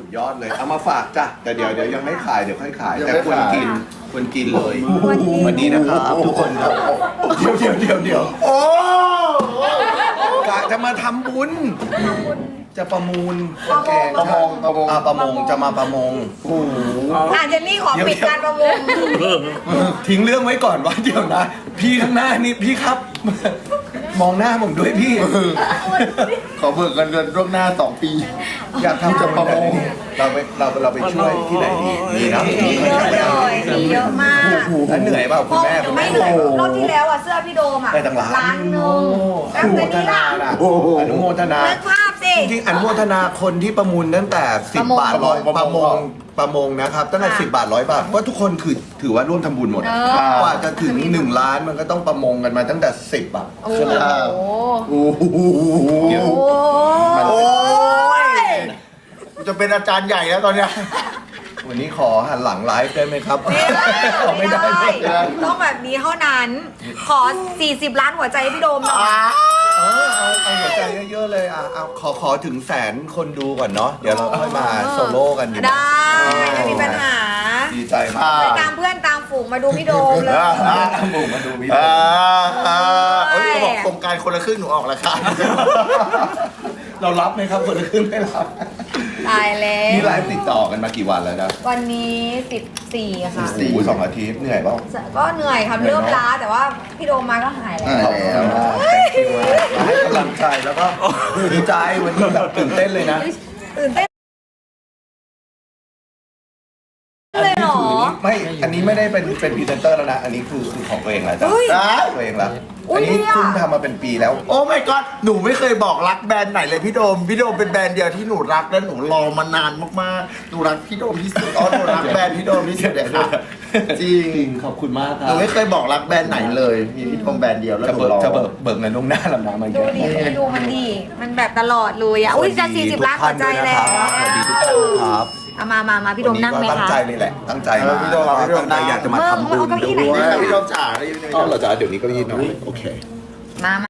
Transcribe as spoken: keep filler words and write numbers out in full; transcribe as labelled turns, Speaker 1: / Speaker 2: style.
Speaker 1: สุดยอดเลยเอามาฝากจ้ะแต่เดี๋ยวเดี๋ยวยังไม่ขายเดี๋ยวค่อยขายแต่ควรกินควรกินเลยวันนี้นะครับทุกคนครับเดี๋ยวเดี๋ยวเดี๋ยวเดี๋ยวโอ้กะจะมาทำบุญจะประมูลแกง
Speaker 2: ประมงประมง
Speaker 1: อ่าประมงจะมาประมงโอ้โห
Speaker 3: อ่ะเจนนี่ขอปิดการประมูล
Speaker 1: ทิ้งเรื่องไว้ก่อนว่าเดี๋ยวนะ พี่ข้างหน้านี่พี่ครับ มองหน้าผมด้วยพี่
Speaker 2: ขอเบิกเงินเดือนล่วงหน้าสองปี
Speaker 1: อยากทำจะประมงเราไปเราเราไปช่วยที่ไหนดีดีนะ
Speaker 3: มีเยอะเลยมีเยอะมาก
Speaker 1: แล้วเหนื่อยเปล่าคุณแม่คุณ
Speaker 3: ไม่
Speaker 1: แม่
Speaker 3: เหนื่อยรอบที่แล้วอ่ะเสื้อพี่โดมอ่ะ
Speaker 1: ได้ตั้งล้าน
Speaker 3: ล้านหนึง
Speaker 1: อ
Speaker 3: แล้ว
Speaker 1: นุโม
Speaker 3: เจน
Speaker 1: ท
Speaker 3: นี่
Speaker 1: นา
Speaker 3: ล่ะ
Speaker 1: น่ะอนุโมทนา
Speaker 3: นึกภาพสิ
Speaker 1: จริงๆอนุโมทนาคนที่ประมูลตั้งแต่สิบบาทร้อยประมงประมงนะครับตั้งแต่สิบบาทร้อยบาทว่าทุกคนคือถือว่าร่วมทำบุญหมด
Speaker 3: เออก
Speaker 1: ว่าจะถึงหนึ่งล้านมันก็ต้องประมงกันมาตั้งแต่สิบอ่ะ
Speaker 3: โอ้
Speaker 1: ใช่ไหม
Speaker 3: โห
Speaker 2: โอ้โห
Speaker 1: เดี๋ยว
Speaker 3: โอ้
Speaker 2: โอ้
Speaker 3: ย
Speaker 2: ยจะเป็นอาจารย์ใหญ่แล้วตอนเนี้ย
Speaker 1: วันนี้ขอหันหลังไลฟ์ได้ไหมครับ
Speaker 3: ไม่ได้
Speaker 1: ไม่ได้
Speaker 3: ไม่
Speaker 1: ไม่
Speaker 3: ได้
Speaker 1: ได้
Speaker 3: ต้องแบบนี้เท่านั้น ขอสี่สิบล้านหัวใจให้พี่โดมหน่อย
Speaker 1: เออเอาเอาหัวใจเยอะๆเลยอ่ะเอาขอขอถึงแสนคนดูก่อนเนาะเดี๋ยวเราค่อยมาโซโล่กันดีกว่า
Speaker 3: ได้ไม่มีปัญหา
Speaker 1: ดีใจมาก
Speaker 3: ไปตามเพื่อนตามฝูงมาดูพี่โดมเลย
Speaker 1: ทำหมูมาดูวิดี
Speaker 2: อ่า
Speaker 1: โอ
Speaker 2: อ่าเอ้ยเขาบอกโครงการคนละครึ่งหนูออกแล้วค่ะ
Speaker 1: เรารับไหมครับคนละครึ่งไม่รับ
Speaker 3: ตายแล้ว
Speaker 1: นี่ไลฟ์ติดต่อกันมากี่วันแล้วนะ
Speaker 3: วันนี้สิบสี่ค่ะ
Speaker 1: โอ้โหสองอาทิตย์เหนื่อยเปล่า
Speaker 3: ก็เหนื่อยครับเริ่มล้าแต่ว่าพี่โดมมาก็หายแล้ว
Speaker 2: หายแล้ว
Speaker 1: ให้กำลังใจแล้วก็ดีใจวันนี้แบบตื่นเต้นเลยนะ
Speaker 3: ตื่นเต้นเลยเหรอ
Speaker 1: ไม่ อันนี้ไม่ได้เป็นเป็นพรีเซนเตอร์แล้วนะ อันนี้คือคือของตัวเองแล้วจ้ะ
Speaker 3: เฮ้ย
Speaker 1: ตัวเองแล้ว
Speaker 3: อุ๊
Speaker 1: อั
Speaker 3: ย
Speaker 1: นนี้
Speaker 3: เนี่ย
Speaker 1: เพิ่งทำมาเป็นปีแล้ว
Speaker 2: โอ้ my god หนูไม่เคยบอกรักแบรนด์ไหนเลยพี่โดม พี่โดมเป็นแบรนด์เดียวที่หนูรักและหนูรอมานานมากๆ หนูรักพี่โดมที่สุดอ๋อหนูรักแบรนด์พี่โดมที่สุดเลยค่ะจริง
Speaker 1: ขอบคุณมากค
Speaker 2: ห
Speaker 1: รั
Speaker 2: นู
Speaker 1: บ
Speaker 2: ไม่เคยบอกรักแบรนด์ไหนเลย มีพี่โดมแบรนด์เดียวแล้ว
Speaker 1: จะ
Speaker 2: หนู
Speaker 1: เบิก
Speaker 2: รอ
Speaker 1: จะเบิกเบิกเงินล่วงหน้าแล้วนะเมื่อ
Speaker 3: ดู
Speaker 1: กี้
Speaker 3: ดิดูมันดี มันแบบตลอดเลยอ่ะ อุ้ยจะสี่สิบล้านหัวใจแล้ว
Speaker 1: สวัสดีทุกท่านนะครับ
Speaker 3: เอามามามาพี่โดมนั่งไหม
Speaker 1: วันนี้ก็ตั้ง
Speaker 3: คะ
Speaker 1: ใจเลยแหละ ตั้งใจมา
Speaker 2: พี่โดมพี่โดม
Speaker 1: ตั้งใจอยากจะมาทำบุญ
Speaker 3: เมื่อเมื่อเอาเก้าอี้ไหน
Speaker 1: ด้วย
Speaker 2: พี่โดมจ๋าได้ยินไหม
Speaker 1: อ๋อเหราจะเดี๋ยวนี้ก็ยีนเนาะโอเค
Speaker 3: มามา